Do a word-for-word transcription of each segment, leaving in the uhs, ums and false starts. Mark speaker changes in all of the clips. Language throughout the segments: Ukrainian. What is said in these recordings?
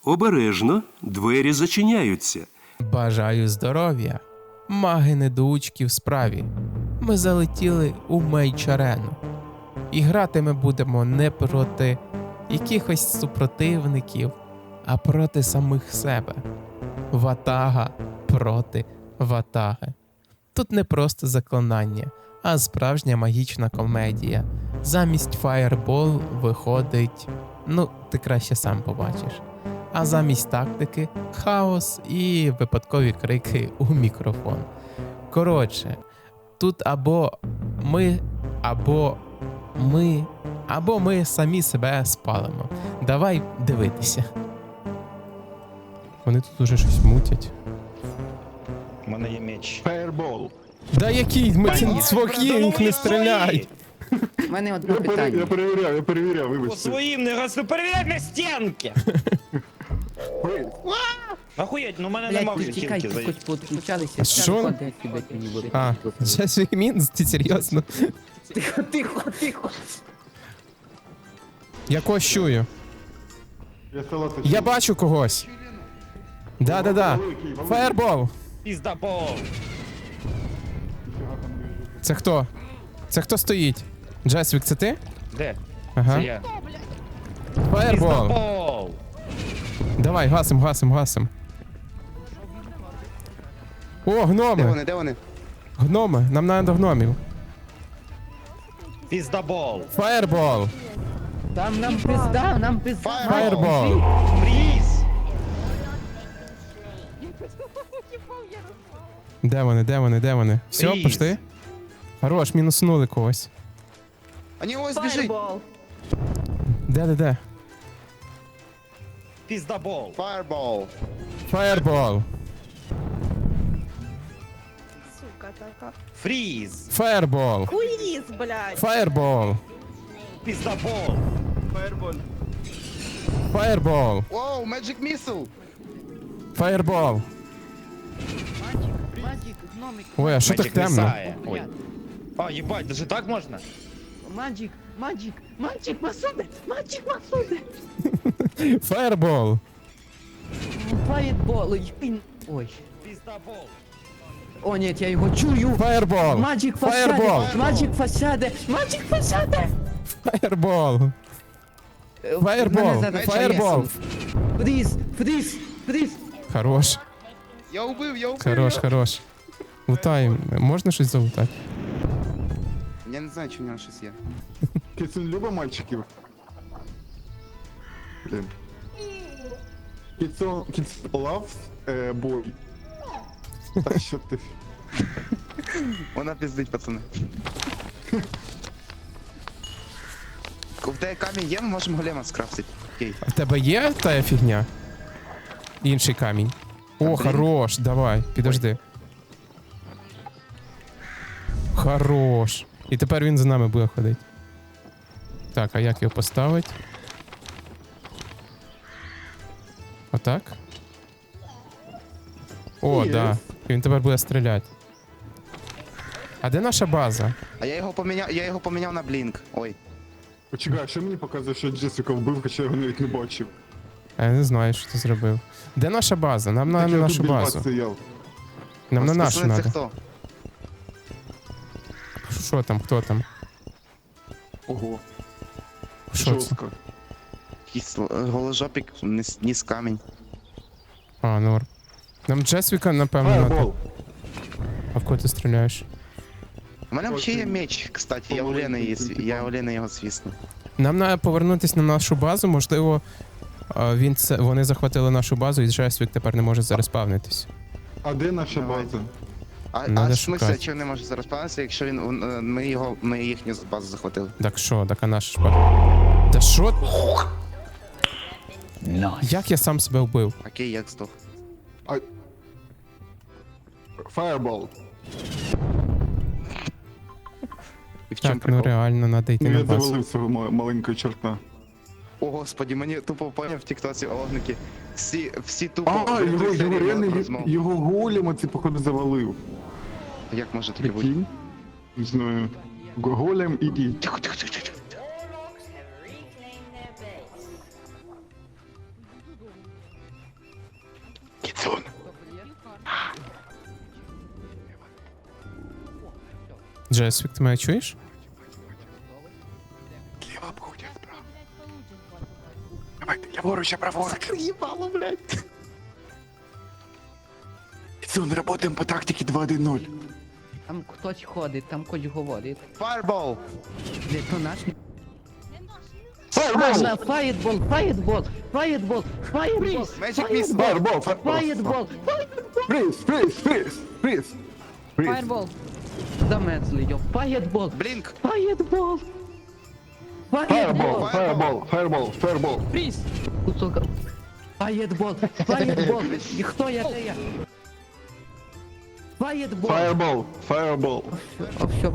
Speaker 1: Обережно, двері зачиняються.
Speaker 2: Бажаю здоров'я, маги-недоучки в справі. Ми залетіли у мейдж-арену. І грати ми будемо не проти якихось супротивників, а проти самих себе. Ватага проти ватаги. Тут не просто заклинання, а справжня магічна комедія. Замість фаєрбол виходить, ну, ти краще сам побачиш. А замість тактики – хаос і випадкові крики у мікрофон. Коротше, тут або ми, або ми, або ми самі себе спалимо. Давай дивитися. Вони тут уже щось мутять.
Speaker 3: У мене є меч.
Speaker 4: Фаербол.
Speaker 2: Да який? Ми ці свої, не стріляй!
Speaker 5: У мене одне
Speaker 4: Я, пере, я
Speaker 5: питання.
Speaker 4: перевіряв, я перевіряв,
Speaker 3: По
Speaker 4: вибачте.
Speaker 3: своїм не раз ви перевіряй на стінки!
Speaker 4: Ой,
Speaker 3: Охуєть, ну в мене нема
Speaker 5: Блять,
Speaker 3: вже
Speaker 5: тікай,
Speaker 3: стінки
Speaker 5: ти хоч
Speaker 3: за...
Speaker 5: підключалися.
Speaker 2: Що? А, Джесвік Мінс, ти серйозно?
Speaker 5: Тихо, тихо, тихо.
Speaker 2: Я когось чую.
Speaker 4: я салати.
Speaker 2: Я бачу когось. Да-да-да. Фаєрбол.
Speaker 3: Піздабол!
Speaker 2: Це хто? Це хто стоїть? Джесвік, це ти?
Speaker 3: Де?
Speaker 2: Ага.
Speaker 3: Це я.
Speaker 2: Фаєрбол.
Speaker 3: Піздабол!
Speaker 2: Давай, гасим, гасим, гасим. О,
Speaker 6: Де
Speaker 2: гноми.
Speaker 6: вони, де вони?
Speaker 2: Гноми. Нам треба до гномів.
Speaker 3: Піздабол!
Speaker 2: Фаєрбол.
Speaker 5: Там нам пизда, нам пизда.
Speaker 2: Фаєрбол.
Speaker 3: Фріз!
Speaker 2: Де вони, де вони, де вони? Все,
Speaker 3: Фріз.
Speaker 2: пішли? Хорош, мінуснули когось.
Speaker 6: Вони ось біжить.
Speaker 2: Де, де, де?
Speaker 3: Піздабол!
Speaker 6: Фаербол.
Speaker 2: Фаєрбол.
Speaker 7: Сука така.
Speaker 3: Фріз!
Speaker 2: Фаєрбол.
Speaker 7: Хуйріз, блядь.
Speaker 2: Фаєрбол.
Speaker 3: Піздабол!
Speaker 2: Фаєрбол.
Speaker 6: Воу, Magic Missile.
Speaker 2: Фаєрбол.
Speaker 5: Маджик, гномик.
Speaker 2: Ой, а що так
Speaker 3: Мечик
Speaker 2: темно?
Speaker 3: місає. Ой. А, їбать, даже так можна?
Speaker 5: Маджик, маджик, маджик, Масуде, маджик, Масуде.
Speaker 2: Фаєрбол.
Speaker 5: Фаєтбол, ой, ой.
Speaker 3: Піздабол!
Speaker 5: О, ні, я його чую.
Speaker 2: Фаєрбол.
Speaker 5: Маджик
Speaker 2: Фаєрбол.
Speaker 5: фасаде, маджик фасаде, маджик фасаде.
Speaker 2: Фаєрбол. Фаєрбол. Фаєрбол.
Speaker 5: Фріз, фріз, фріз.
Speaker 2: Хорош.
Speaker 6: Я убив, я убив.
Speaker 2: Хорош, хорош. Лутай, можна щось залутати?
Speaker 6: Я не знаю, чи в нього щось є.
Speaker 4: Кицун любить мальчиків? Блін. Кицун, Кицун loves е, boy. Та що ти?
Speaker 6: Вона пиздить, пацани. В тебе камінь є, ми можемо голема скрафтити. Окей.
Speaker 2: А в тебе є та фігня? Інший камінь. О,
Speaker 6: блін.
Speaker 2: хорош, давай, підожди. Хорош. І тепер він за нами буде ходити. Так, а як його поставити? Отак? О,
Speaker 4: Є.
Speaker 2: да. Він тепер буде стріляти. А де наша база?
Speaker 6: А я його поміняв, я його поміняв на блінк. Ой.
Speaker 4: Почекай, а що мені показує, що Джесіка вбив, хоча я його навіть не бачив?
Speaker 2: А я не знаю, що ти зробив. Де наша база? Нам на,
Speaker 4: Так
Speaker 2: на
Speaker 4: я
Speaker 2: нашу
Speaker 4: тут біля вас
Speaker 2: базу.
Speaker 4: стояв.
Speaker 2: Нам на нашу
Speaker 6: Пацани, це
Speaker 2: треба.
Speaker 6: хто?
Speaker 2: Що там, хто там?
Speaker 4: Ого,
Speaker 2: Що це?
Speaker 4: жорстко.
Speaker 6: Якийсь л- голожопік, ніс, ніс камінь.
Speaker 2: А, норм. Нам Джесвіка, напевно, надо.
Speaker 4: Фаербол.
Speaker 2: А в кого ти стріляєш?
Speaker 6: У мене
Speaker 4: Ось
Speaker 6: взагалі є
Speaker 4: він.
Speaker 6: меч, кстати, я у Лени, є, я у Лени його свісну.
Speaker 2: Нам треба повернутися на нашу базу, можливо, а, він це, вони захватили нашу базу і Джесвік тепер не може зареспавнитись.
Speaker 4: А де наша
Speaker 6: Давайте.
Speaker 4: база?
Speaker 6: А,
Speaker 2: Надо
Speaker 6: а в смысле,
Speaker 2: шукати.
Speaker 6: чи він не може зараз панитися, якщо він, е, ми, його, ми їхню базу захватили?
Speaker 2: Так що, так а наша ж база. Та що? Як я сам себе вбив?
Speaker 6: Окей, як здох.
Speaker 4: Фаербол.
Speaker 6: І в чому
Speaker 2: Так, ну
Speaker 6: прикол?
Speaker 2: реально, треба йти
Speaker 4: Ну
Speaker 2: на
Speaker 4: я
Speaker 2: базу.
Speaker 4: завалив свого ма- маленького чорта.
Speaker 6: О, господі, мені тупо поняв в тіктоці огники. Всі, всі тупо...
Speaker 4: А,
Speaker 6: в
Speaker 4: його,
Speaker 6: серії
Speaker 4: його реально,
Speaker 6: мали
Speaker 4: й-
Speaker 6: розмову.
Speaker 4: його голема, це походу завалив.
Speaker 6: Як може таке бути?
Speaker 4: Прикинь? Не знаю. Г- Голем іди.
Speaker 6: Тихо, тихо, тихо, тихо.
Speaker 2: Джесвік, ти мене чуєш?
Speaker 4: Ліва буде справа. Давайте, ліворуч, а праворуч. Закриїбало, блядь. Кіцун, работаємо по тактиці два один нуль.
Speaker 5: Там хтось ходить, там хтось говорить.
Speaker 6: Fireball!
Speaker 5: Блять, то наш.
Speaker 4: Фаербол!
Speaker 5: На фаєтбол, фаєтбол, фаєтбол, фаєтбол,
Speaker 6: Magic Missile!
Speaker 4: Фаербол!
Speaker 5: фаєтбол,
Speaker 4: Фриз, фриз, фриз, фриз.
Speaker 5: фаєтбол. Замерзли, йо. Фаєтбол,
Speaker 6: Блінк!
Speaker 5: фаєтбол.
Speaker 4: Фаербол,
Speaker 5: Фаєтбол.
Speaker 4: фаербол, фаербол, фаербол.
Speaker 5: Фріз. Кусок. Фаєтбол, фаєтбол. І хто я, де я? Фаєтбол.
Speaker 4: Фаербол, фаербол.
Speaker 5: О, все.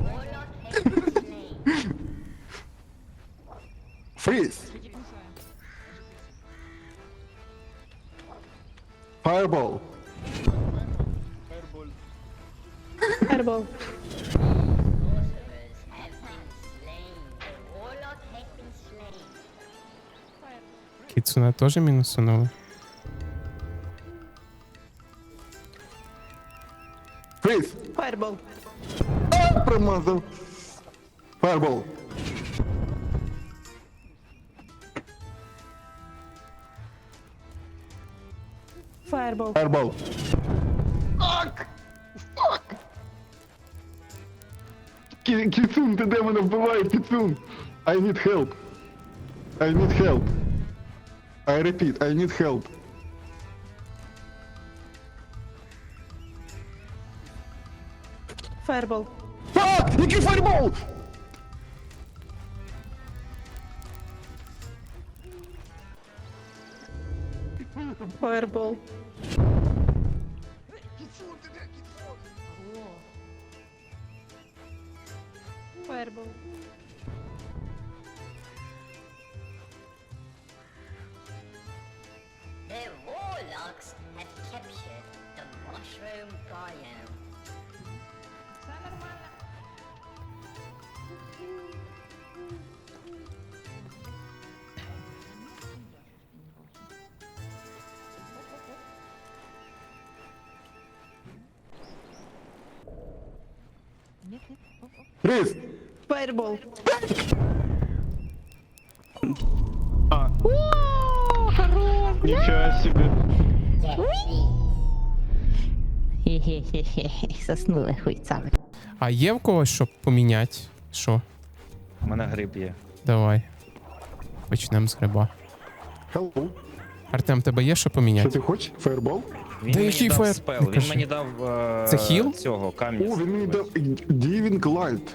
Speaker 4: Фриз. Фаербол.
Speaker 7: Фаербол.
Speaker 2: Кіцуна теж мінусунули.
Speaker 4: Фриз.
Speaker 7: Фаербол.
Speaker 4: Промазав. Фаербол.
Speaker 7: Фаербол.
Speaker 4: Фаербол. Кі- Кіцун, ти де мене вбиває, Кіцун? I need help. I need help. I repeat, I need help.
Speaker 7: Фаербол.
Speaker 4: А! Який фаербол?
Speaker 7: Фаербол. Фаербол.
Speaker 8: The warlocks have captured the mushroom biome.
Speaker 4: Фриз.
Speaker 7: Фаербол.
Speaker 4: Нічого собі.
Speaker 8: Хе-хе-хе-хе, соснули хуйцами.
Speaker 2: А є в когось, щоб поміняти? Що?
Speaker 3: У мене гриб є.
Speaker 2: Давай. Почнемо з гриба.
Speaker 4: Hello.
Speaker 2: Артем, тебе є що
Speaker 4: Що
Speaker 2: поміняти?
Speaker 4: ти хочеш? Фаербол?
Speaker 3: Він
Speaker 2: Да
Speaker 3: мені
Speaker 2: який
Speaker 3: дав
Speaker 2: фаер-
Speaker 3: спел,
Speaker 2: не
Speaker 3: він
Speaker 2: кажи.
Speaker 3: мені дав е,
Speaker 2: Це хіл?
Speaker 3: цього камня.
Speaker 4: О, він мені дав Diving Light.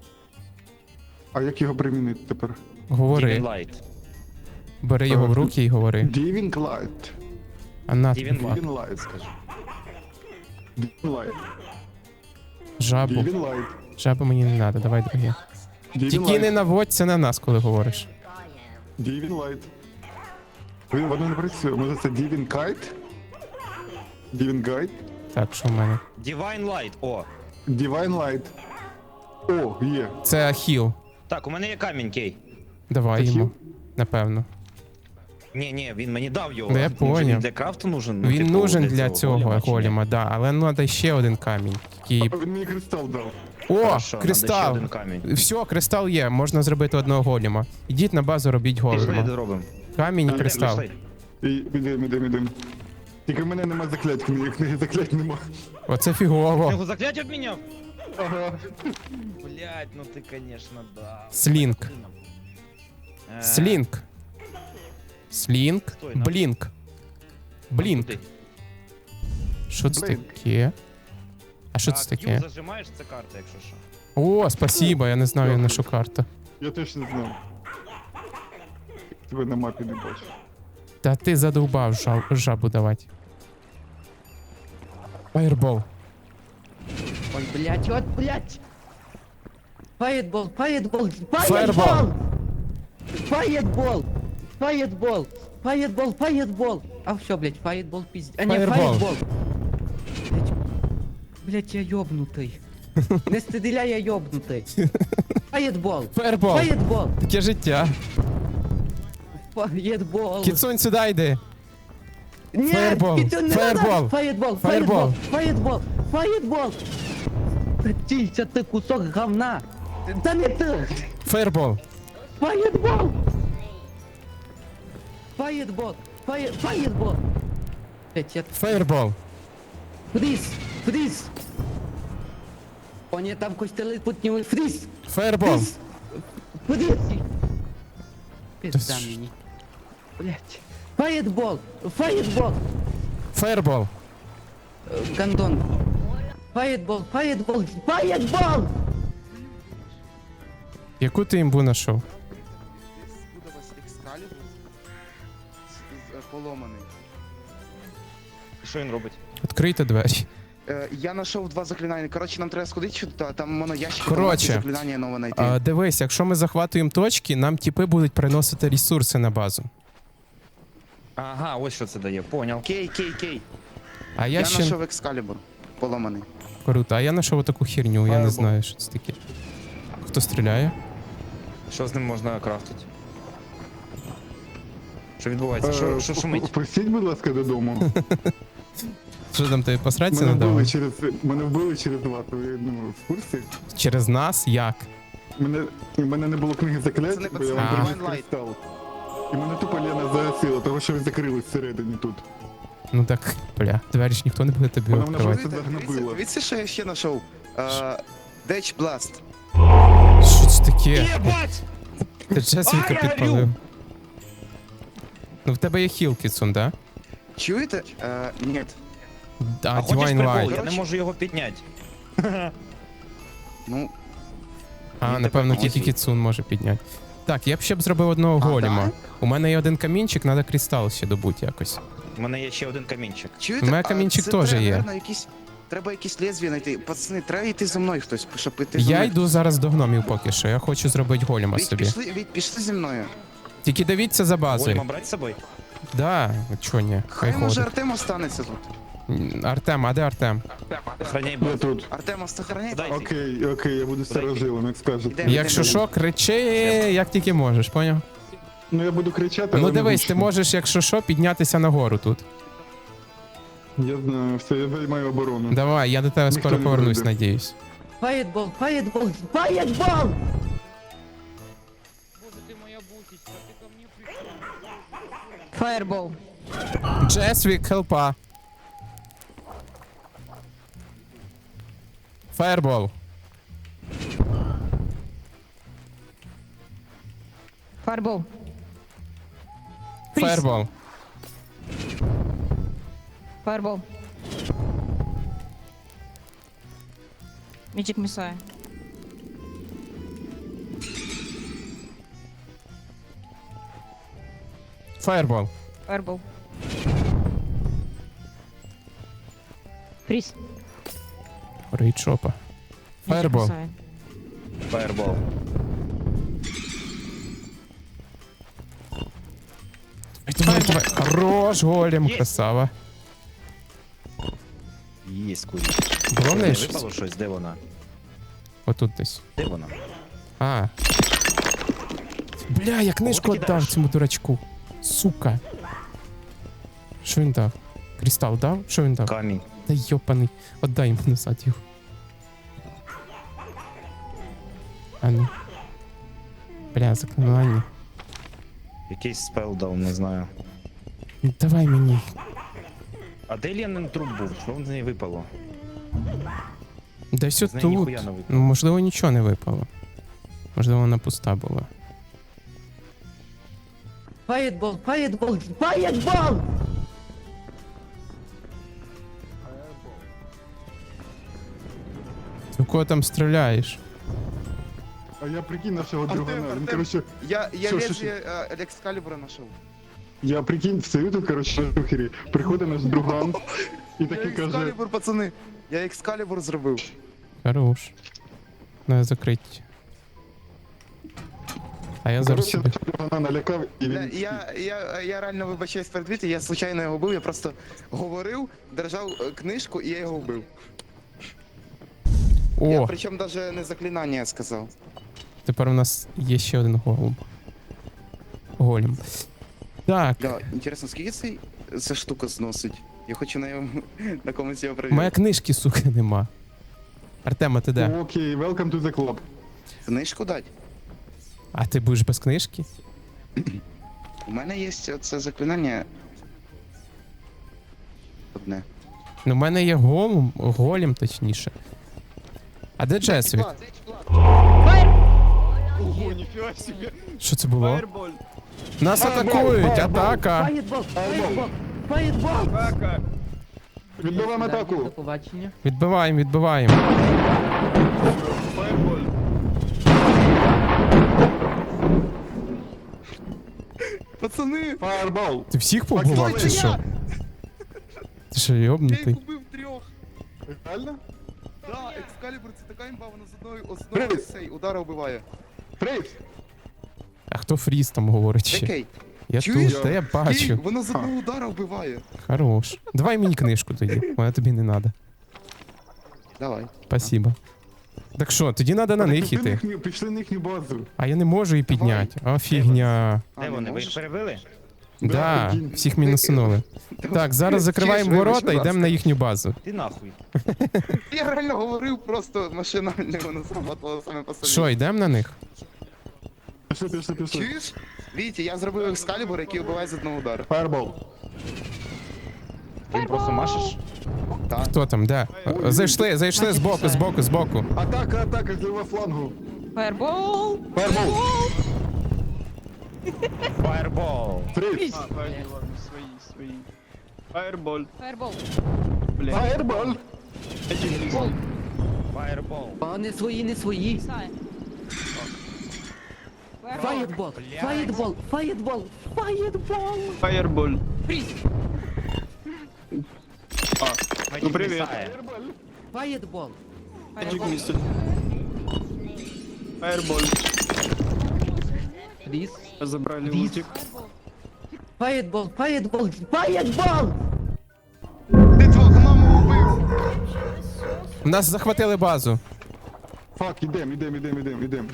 Speaker 4: А як його примінити тепер?
Speaker 2: Говори.
Speaker 3: Light.
Speaker 2: Бери його в руки і говори.
Speaker 4: Diving Light.
Speaker 2: А на
Speaker 3: Divine
Speaker 2: тобі.
Speaker 3: Light.
Speaker 4: Diving Light, скажи. Diving Light.
Speaker 2: Жабу.
Speaker 4: Diving Light.
Speaker 2: Жабу мені не треба, давай друге.
Speaker 4: Diving
Speaker 2: Тільки не
Speaker 4: Light.
Speaker 2: наводься на нас, коли говориш.
Speaker 4: Diving Light. Він воно не працює. Може це Diving Kite? Diving Guide?
Speaker 2: Так, що в мене?
Speaker 3: Divine Light, о.
Speaker 4: Divine Light. О, є.
Speaker 2: Це хіл.
Speaker 3: Так, у мене є камінь, Кей.
Speaker 2: Давай
Speaker 4: Це
Speaker 2: йому.
Speaker 4: хіл?
Speaker 2: Напевно.
Speaker 3: Ні, ні, він мені дав його.
Speaker 2: Ну, я
Speaker 3: Може,
Speaker 2: поняв.
Speaker 3: Він для крафту нужен? Ну,
Speaker 2: Він
Speaker 3: типу,
Speaker 2: нужен для цього
Speaker 3: голема, чи ні?
Speaker 2: голема, да, але ну треба ще один камінь. Який...
Speaker 4: А він мені кристал дав.
Speaker 2: О,
Speaker 3: Хорошо, надо ще
Speaker 2: кристал!
Speaker 3: один камінь.
Speaker 2: Все, кристал є, можна зробити одного голема. Ідіть на базу, робіть
Speaker 3: Пішли,
Speaker 2: голема.
Speaker 3: зробимо.
Speaker 2: Камінь і
Speaker 3: Йдемо,
Speaker 2: кристал.
Speaker 3: пішли.
Speaker 4: І ідем, ідем, ідем. Тільки в мене нема заклять, книги, книги заклять нема.
Speaker 2: Оце
Speaker 3: Ти
Speaker 2: фігово.
Speaker 3: його заклять обміняв?
Speaker 4: Ага.
Speaker 3: Блять, ну ти, конечно, да.
Speaker 2: Слінг.
Speaker 3: Е,
Speaker 2: Слінг. Слінг.
Speaker 3: Стой, на.
Speaker 2: Блінк. Блінк.
Speaker 3: куди?
Speaker 2: Що це
Speaker 4: Блінк.
Speaker 2: таке? А що
Speaker 3: А,
Speaker 2: це
Speaker 3: Q
Speaker 2: таке?
Speaker 3: зажимаєш, це карта, якщо що.
Speaker 2: О, спасибо, я не знав, я
Speaker 4: Дякую.
Speaker 2: нашу карту.
Speaker 4: Я теж не знав. Тебе на мапі не бачу.
Speaker 2: Та ти задовбав жаб, жабу давати. Фаєрбол.
Speaker 5: Ой, блять, от, блять. Фаєтбол, фаєтбол,
Speaker 2: Фаєрбол.
Speaker 5: фаєтбол. Фаєтбол. Фаєтбол. Фаєтбол, фаєтбол. А все, блять, фаєтбол пиздец. А не
Speaker 2: Фаєрбол.
Speaker 5: фаєтбол. Блять, блять, я йобнутий. Не стріляй, я йобнутий. Фаєтбол.
Speaker 2: Фаєрбол.
Speaker 5: Фаєтбол.
Speaker 2: Таке життя.
Speaker 5: Фаєтбол.
Speaker 2: Кіцунь, сюди йди.
Speaker 5: Ні,
Speaker 2: Фаєрбол.
Speaker 5: Кітю, не
Speaker 2: Фаєрбол.
Speaker 5: надо. Фаєтбол.
Speaker 2: Фаєрбол.
Speaker 5: Фаєтбол. Фаєтбол. Фаєтбол. Прикинься, ты кусок говна! Да не ты!
Speaker 2: Фаербол.
Speaker 5: Фаетбол! Фаетбол! Фае... Фаетбол! Блять, я...
Speaker 2: Фаербол.
Speaker 5: Фриз! Фриз! О, нет, там костелы путневый фриз!
Speaker 2: Фаербол.
Speaker 5: Фриз! Фриз! Пизда
Speaker 2: Да с-
Speaker 5: мне. Блять. Фаетбол! Фаетбол!
Speaker 2: Фаербол.
Speaker 5: Э, Гондон. Фаетбол! Фаетбол! Фаетбол!
Speaker 2: Яку ти імбу знайшов?
Speaker 6: Буде у вас екскалібур з- з- поломаний.
Speaker 3: Що він робить?
Speaker 2: Відкрийте двері.
Speaker 6: Е, я знайшов два заклинання. Коротше, нам треба сходити сюди, там воно ящики,
Speaker 2: Коротше,
Speaker 6: там заклинання нове знайти.
Speaker 2: А, дивись, якщо ми захватуємо точки, нам тіпи будуть приносити ресурси на базу.
Speaker 3: Ага, ось що це дає, поняв.
Speaker 6: Кей, кей, кей.
Speaker 2: А я,
Speaker 6: Я
Speaker 2: ще
Speaker 6: знайшов екскалібур поломаний.
Speaker 2: круто, а я знайшов таку херню, я не
Speaker 3: Фаербол.
Speaker 2: знаю, що це таке. Хто стріляє?
Speaker 3: Що з ним можна крафтити? Що відбувається? Що, що шумить?
Speaker 4: Пустіть, будь ласка, додому.
Speaker 2: Що там тобі посратися
Speaker 4: Мене
Speaker 2: надавали?
Speaker 4: вбили через мене вбили через два. То ви ну, в курсі?
Speaker 2: Через нас? Як?
Speaker 4: Мене у мене не було книги заклять,
Speaker 6: Пацани,
Speaker 4: бо я
Speaker 6: пацани,
Speaker 4: вам приніс
Speaker 6: Divine Light.
Speaker 4: кристал. І мене тупо Лена загасила, того що ви закрились всередині тут.
Speaker 2: Ну так, бля, двері ж ніхто не буде тобі
Speaker 4: Вона мене
Speaker 2: відкривати.
Speaker 4: просто
Speaker 6: Дивіться,
Speaker 4: загнобила.
Speaker 6: дивіться, що я ще знайшов. Деч Бласт.
Speaker 2: Що це таке?
Speaker 3: Єбать!
Speaker 2: Ти Джесвіка
Speaker 3: А, я
Speaker 2: підпалив.
Speaker 3: горю!
Speaker 2: Ну в тебе є хіл, Кіцун, да?
Speaker 6: Чуєте? Е, ні.
Speaker 2: А,
Speaker 3: А хочеш
Speaker 2: Divine
Speaker 3: прикол?
Speaker 2: Light.
Speaker 3: Я не
Speaker 6: Короче.
Speaker 3: можу його підняти.
Speaker 6: Ну,
Speaker 2: А,
Speaker 6: Він
Speaker 2: напевно,
Speaker 6: тепер
Speaker 2: тільки
Speaker 6: може.
Speaker 2: Кіцун може підняти. Так, я б ще б зробив одного
Speaker 6: А,
Speaker 2: голіма.
Speaker 6: да?
Speaker 2: У мене є один камінчик, треба кристал ще добути якось.
Speaker 3: У мене є ще один камінчик.
Speaker 6: чуєте?
Speaker 2: У мене
Speaker 6: А
Speaker 2: камінчик
Speaker 6: це
Speaker 2: теж
Speaker 6: треба,
Speaker 2: є.
Speaker 6: наверно, якісь... Треба якісь лезвія знайти. Пацани, треба йти за мною хтось, щоб йти за
Speaker 2: Я
Speaker 6: мною.
Speaker 2: йду зараз до гномів поки що, я хочу зробити голіма
Speaker 6: Віть,
Speaker 2: собі.
Speaker 6: пішли, Віть, пішли зі мною.
Speaker 2: Тільки дивіться за
Speaker 3: Голема
Speaker 2: базою.
Speaker 3: брати з собою?
Speaker 2: Да, чо ні, хай
Speaker 6: Хай може
Speaker 2: ходить.
Speaker 6: Артем останеться тут.
Speaker 2: М, Артем, а де Артем?
Speaker 3: Охраняй
Speaker 4: Я
Speaker 3: базу.
Speaker 4: тут.
Speaker 6: Артем, сохраняй.
Speaker 3: Дай.
Speaker 4: Окей, окей, я буду старожилом, як скажете.
Speaker 6: Йдемо.
Speaker 2: Якщо що, кричи, як тільки можеш, поняв?
Speaker 4: Ну я буду кричати,
Speaker 2: Ну
Speaker 4: але не
Speaker 2: дивись, ти
Speaker 4: гучно.
Speaker 2: можеш, якщо що, піднятися нагору тут.
Speaker 4: Я знаю, все, я займаю оборону.
Speaker 2: Давай, я до тебе
Speaker 4: Ніхто
Speaker 2: скоро
Speaker 4: не
Speaker 2: повернусь,
Speaker 4: прийде.
Speaker 2: надіюсь.
Speaker 5: Фаетбол! Фаетбол! Фаетбол!
Speaker 7: Fireball.
Speaker 2: Джесвік, хелпа. Фаербол.
Speaker 7: Fireball.
Speaker 2: Фаербол.
Speaker 7: Fireball. Magic Missile.
Speaker 2: Фаербол.
Speaker 7: Fireball. Freeze.
Speaker 2: Рейдшопа.
Speaker 7: Magic
Speaker 2: Фаербол.
Speaker 7: Missile.
Speaker 3: Фаербол.
Speaker 2: Давай, давай. Хорош, голем,
Speaker 3: Є.
Speaker 2: красава.
Speaker 3: Єсть курі.
Speaker 2: Було в
Speaker 3: Не
Speaker 2: неї щось?
Speaker 3: випало щось? Де вона?
Speaker 2: Отут десь.
Speaker 3: Де вона?
Speaker 2: А. Бля, я книжку
Speaker 3: Кого ти
Speaker 2: віддав
Speaker 3: кидаєш?
Speaker 2: цьому дурачку. Сука. Що він дав? Кристал дав? Що він дав?
Speaker 3: Камінь.
Speaker 2: Та йопаний. Отдай йому назад його. А ну. Бля, заклинання.
Speaker 3: Якийсь спел дав, не знаю.
Speaker 2: Ну, давай мені.
Speaker 3: А де Ленин труп був? Що з неї випало?
Speaker 2: Десь
Speaker 3: З неї
Speaker 2: отут.
Speaker 3: ніхуя не випало.
Speaker 2: Ну, можливо, нічого не випало. Можливо, вона пуста була.
Speaker 5: Фаетбол! Фаетбол! Фаетбол!
Speaker 2: Ти в кого там стріляєш?
Speaker 4: А я прикинь нашого
Speaker 6: Артем,
Speaker 4: другана. Він,
Speaker 6: Артем.
Speaker 4: коротше,
Speaker 6: Я, я
Speaker 4: Що, що,
Speaker 6: лезвие е, екскалібура знайшов.
Speaker 4: я прикинь, стою тут, коротше, на шухері. Приходить наш друган і
Speaker 6: Я
Speaker 4: такий каже,
Speaker 6: екскалібур, пацани. Я екскалібур зробив.
Speaker 2: Хорош. Надо закрити. А я зараз
Speaker 4: коротше,
Speaker 2: собі.
Speaker 4: нашого другана налякав, і
Speaker 6: Бля,
Speaker 4: він...
Speaker 6: Я, я, я реально вибачаюсь перед Віті, я случайно його вбив, я просто говорив, держав е, книжку і я його вбив. Я
Speaker 2: О,
Speaker 6: причому навіть не заклинання сказав.
Speaker 2: тепер у нас є ще один голуб. Голем. Так,
Speaker 6: Да, інтересно, скільки цей, ця штука зносить? Я хочу на, йому, на комусь його
Speaker 2: моя
Speaker 6: перевірити.
Speaker 2: книжки, сука, нема. Артема, ти де?
Speaker 4: Окей, welcome to the club.
Speaker 6: Книжку дать?
Speaker 2: А ти будеш без книжки?
Speaker 6: У мене є це заклинання. Одне.
Speaker 2: Ну, в мене є голем, голем точніше. А де Джесвік? Що це було? Нас атакують! Атака!
Speaker 5: Фаєтбол, фаєтбол, фаєтбол!
Speaker 4: Відбиваємо
Speaker 5: До
Speaker 4: атаку.
Speaker 5: побачення.
Speaker 2: Відбиваємо, відбиваємо.
Speaker 6: Пацани!
Speaker 4: Фаербол.
Speaker 2: Ти всіх побував чи що? Ти що,
Speaker 6: Я їх
Speaker 2: йобнутий?
Speaker 6: убив трьох!
Speaker 4: Реально?
Speaker 6: Да, екскалібур це така імба, вона з одної з одного
Speaker 4: Привіт.
Speaker 6: з цей удара вбиває.
Speaker 4: Фрейс.
Speaker 2: А хто фріз там говорить ще?
Speaker 6: Окей.
Speaker 2: Я
Speaker 6: Чуєш?
Speaker 2: тут, та я
Speaker 6: Ей,
Speaker 2: бачу.
Speaker 6: вона з одного удара вбиває.
Speaker 2: Хорош. Давай мені книжку тоді, вона тобі не треба.
Speaker 6: Давай.
Speaker 2: Спасибо. Так що, тоді треба на них
Speaker 4: Пішли
Speaker 2: іти.
Speaker 4: їхню- Пішли на їхню базу.
Speaker 2: А я не можу її підняти. А фігня.
Speaker 6: А,
Speaker 3: Де
Speaker 6: не
Speaker 3: вони? Ви їх
Speaker 6: можеш?
Speaker 3: перебили?
Speaker 2: Да,
Speaker 4: прикинь.
Speaker 2: всіх мінусунули. Так, зараз закриваємо
Speaker 6: Чуєш, вибач,
Speaker 2: ворота,
Speaker 6: будь
Speaker 2: йдемо
Speaker 6: ласка.
Speaker 2: на їхню базу.
Speaker 3: Ти нахуй.
Speaker 6: Я реально говорив просто машинально, воно сработало саме по собі.
Speaker 2: Що, йдемо на них?
Speaker 4: Пішли, пішли, пішли.
Speaker 6: Чуєш? Вітя, я зробив екскалібур, який вбиває з одного удару.
Speaker 4: Фаербол.
Speaker 3: Ти просто машеш?
Speaker 6: Так.
Speaker 2: Хто там, де? Зайшли, зайшли збоку, збоку, збоку.
Speaker 4: Атака, атака з лівого флангу.
Speaker 7: Фаербол!
Speaker 4: Фаербол.
Speaker 3: Фаербол.
Speaker 4: Фрейс.
Speaker 7: Фаербол!
Speaker 4: Фаербол.
Speaker 3: Фаербол.
Speaker 5: А не свої, не свої. Фаєтбол, фаєтбол, фаєтбол, фаєтбол!
Speaker 3: Ну привіт.
Speaker 5: Фаєтбол. Фріз.
Speaker 9: Забрали
Speaker 5: Фріз.
Speaker 9: ультик.
Speaker 5: Фаєтбол, фаєтбол, фаєтбол!
Speaker 6: Ти твого гнома убив!
Speaker 2: Нас захватили базу.
Speaker 4: Фак, ідем, ідем, ідем, ідем, ідем.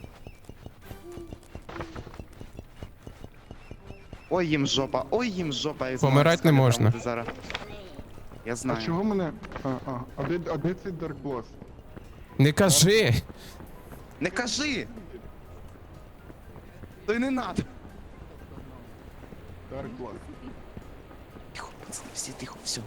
Speaker 6: Ой, їм жопа, ой, їм жопа. Я знаю,
Speaker 2: Помирать не
Speaker 6: екскалібуром
Speaker 2: можна.
Speaker 6: буде зараз. Я
Speaker 4: А
Speaker 6: знаю.
Speaker 4: чого мене? А, а, а де, а де цей Dark Blast?
Speaker 2: Не кажи!
Speaker 6: Не кажи! То й не надо.
Speaker 4: Dark Blast.
Speaker 6: Тихо, пацани, всі тихо, все.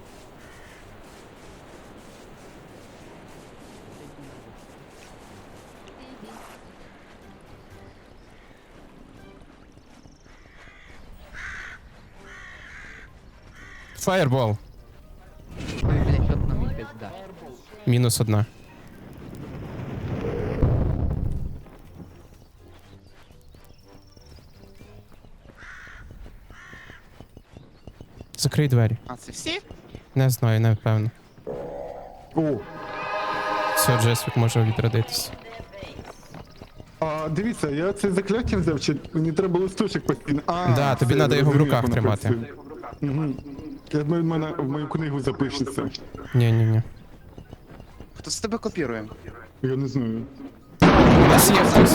Speaker 2: Фаєрбол.
Speaker 5: Ой, блядь, що нам і пизда.
Speaker 2: Мінус одна. Закрий двері.
Speaker 6: А, це всі?
Speaker 2: Не знаю, не впевнений.
Speaker 4: О,
Speaker 2: Все, Джесвік може відродитися.
Speaker 4: а дивіться, я це закляття взяв, чи мені треба листочок постійно. А,
Speaker 2: Да, тобі
Speaker 4: все,
Speaker 2: надо
Speaker 4: я
Speaker 2: його в
Speaker 4: розумію,
Speaker 2: руках
Speaker 4: як воно
Speaker 2: тримати.
Speaker 4: працює. Мгм. Я думаю, в мене в мою книгу запишеться.
Speaker 2: Ні-ні-ні.
Speaker 6: Хто з тебе копірує?
Speaker 4: Я не знаю.
Speaker 2: У нас є хтось.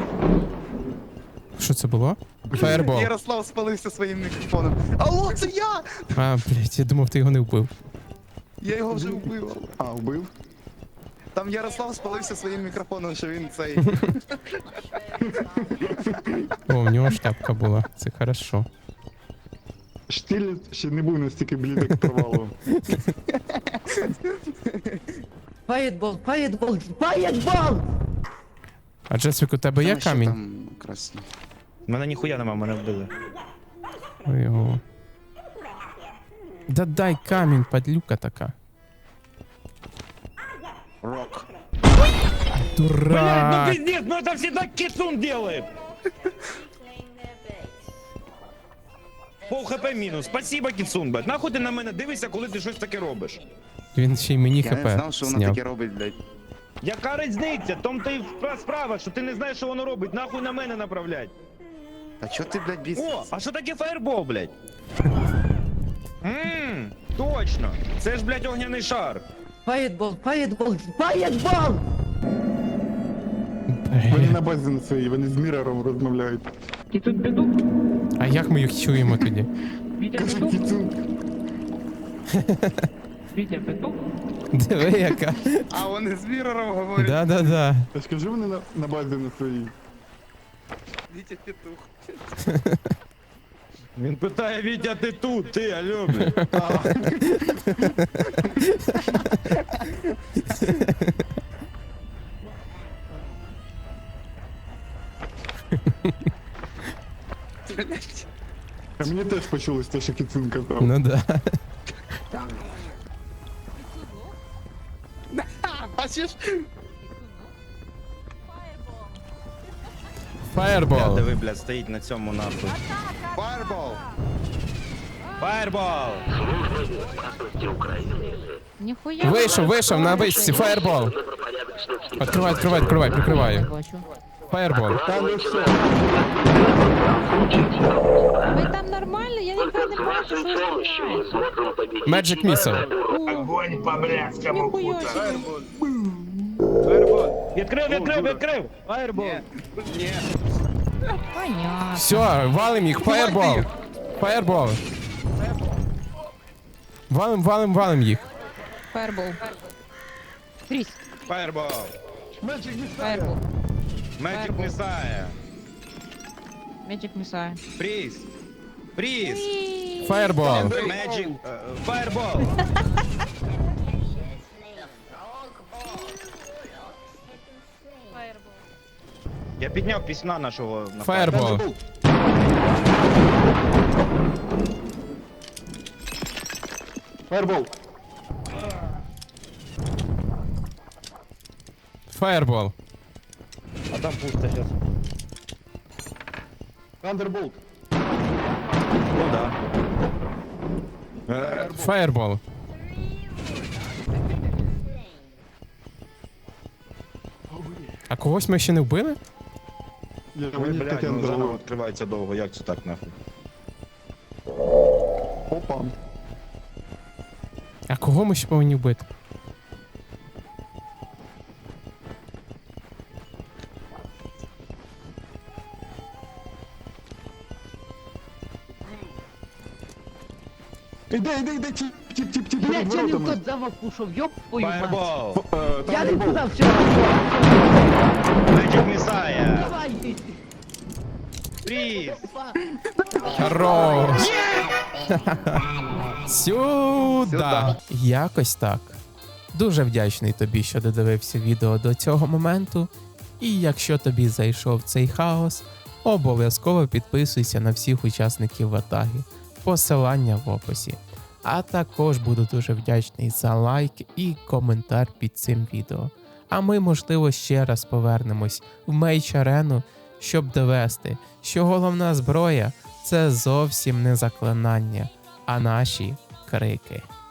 Speaker 2: Що це було? Фаєрбол.
Speaker 6: Ярослав спалився своїм мікрофоном. Алло, це я!
Speaker 2: А, блядь, я думав, ти його не вбив.
Speaker 6: Я його вже вбив.
Speaker 4: А, вбив?
Speaker 6: Там Ярослав спалився своїм мікрофоном, що він цей.
Speaker 2: О, в нього шляпка була. Це хорошо.
Speaker 4: Штіль ще не був настільки блідок провалу.
Speaker 5: Фаєтбол, фаєтбол, фаєтбол!
Speaker 2: А Джесвік, у тебе є
Speaker 6: Там ще
Speaker 2: камінь?
Speaker 6: Там красні.
Speaker 3: Мене ніхуя нема, мене вбили.
Speaker 2: Ой, його. Да дай камінь, падлюка така.
Speaker 6: Рок.
Speaker 3: Блядь, ну
Speaker 2: Дурак!
Speaker 3: пиздец, ну это всегда кицун делает! Пол хп мінус. Спасибо, кицун, блядь. Нахуй ти на мене дивишся, коли ти щось таке робиш?
Speaker 2: Він ще й мені
Speaker 6: Я не
Speaker 2: хп
Speaker 6: знав, що воно
Speaker 2: зняв.
Speaker 6: таке робить, блядь.
Speaker 3: Яка різниця? Том ти впра- справа, що ти не знаєш, що воно робить. Нахуй на мене направлять.
Speaker 6: Та чо ти, блядь,
Speaker 3: О,
Speaker 6: бісишся?
Speaker 3: а що таке фаербол, блядь? Ммм, точно. Це ж, блядь, огняний шар.
Speaker 5: Фаєтбол, фаєтбол, фаєтбол!
Speaker 4: Вони
Speaker 2: Бля.
Speaker 4: на базі на своїй, вони з Мірером розмовляють.
Speaker 2: А як ми їх чуємо тоді?
Speaker 4: Каже, Кіцун.
Speaker 5: Вітя, петух?
Speaker 2: Диви, яка.
Speaker 6: А вони з Мірором говорять.
Speaker 2: Да-да-да.
Speaker 4: Та скажи вони на, на базі на своїй.
Speaker 6: Вітя петух.
Speaker 3: Він питає, Вітя, ти тут, ти, алло, блядь.
Speaker 6: Блядь.
Speaker 4: А мені теж почулось те, що Кіцун казав.
Speaker 2: Ну да.
Speaker 6: Бачиш?
Speaker 2: Фаєрбол.
Speaker 3: Диви, блядь, стоїть на цьому нахуй.
Speaker 6: Фаербол.
Speaker 3: Фаєрбол!
Speaker 7: Ніхуя.
Speaker 2: Вийшов, вийшов на вишці, фаєрбол. Відкривай, відкривай, відкривай, прикриваю. Фаєрбол.
Speaker 4: Та ну що?
Speaker 7: Ви там нормально? Я ніхуя не бачу, що ви знімаєте.
Speaker 2: Magic Missile.
Speaker 3: Огонь по блядському
Speaker 7: Ніхуя собі.
Speaker 3: Відкрив, відкрив, відкрив! Фаєрбол!
Speaker 6: Ні.
Speaker 7: Понятно.
Speaker 2: Все, валим їх, фаєрбол. Фаєрбол. Валим, валим, валим їх.
Speaker 7: Фаербол. Фріз.
Speaker 3: Фаєрбол!
Speaker 7: Фаербол.
Speaker 3: Magic Messiah!
Speaker 7: Magic Messiah.
Speaker 3: Фріз! Фріз!
Speaker 2: Фаєрбол.
Speaker 3: Magic... е, Фаєрбол! Я підняв пісня нашого напарника.
Speaker 2: Фаєрбол.
Speaker 4: Фаербол.
Speaker 2: Фаєрбол.
Speaker 3: А там пусто сейчас.
Speaker 4: Thunderbolt.
Speaker 3: Ну да.
Speaker 2: Фаєрбол. А когось ми ще не вбили?
Speaker 4: Я
Speaker 3: Ой,
Speaker 4: мені
Speaker 3: блядь,
Speaker 4: таке
Speaker 3: ну заново
Speaker 4: дало.
Speaker 3: відкривається довго, як це так нахуй?
Speaker 4: Опа.
Speaker 2: А кого ми ще повинні вбити?
Speaker 4: Іде, іде, іде, тіп, тіп, тіп, тіп, перед
Speaker 5: Блять, я не в
Speaker 4: воротами.
Speaker 5: тот замок пушов, ёб твою мать.
Speaker 3: Фаєрбол!
Speaker 4: Е,
Speaker 5: Я не
Speaker 4: Thunderbolt.
Speaker 5: туда, все,
Speaker 3: Magic Messiah!
Speaker 5: давай ты.
Speaker 3: Фріз!
Speaker 2: Хорош! Сюда! Якось так. Дуже вдячний тобі, що додивився відео до цього моменту. І якщо тобі зайшов цей хаос, обов'язково підписуйся на всіх учасників ватаги. Посилання в описі. А також буду дуже вдячний за лайк і коментар під цим відео. А ми, можливо, ще раз повернемось в Мейч-арену, щоб довести, що головна зброя – це зовсім не заклинання, а наші крики.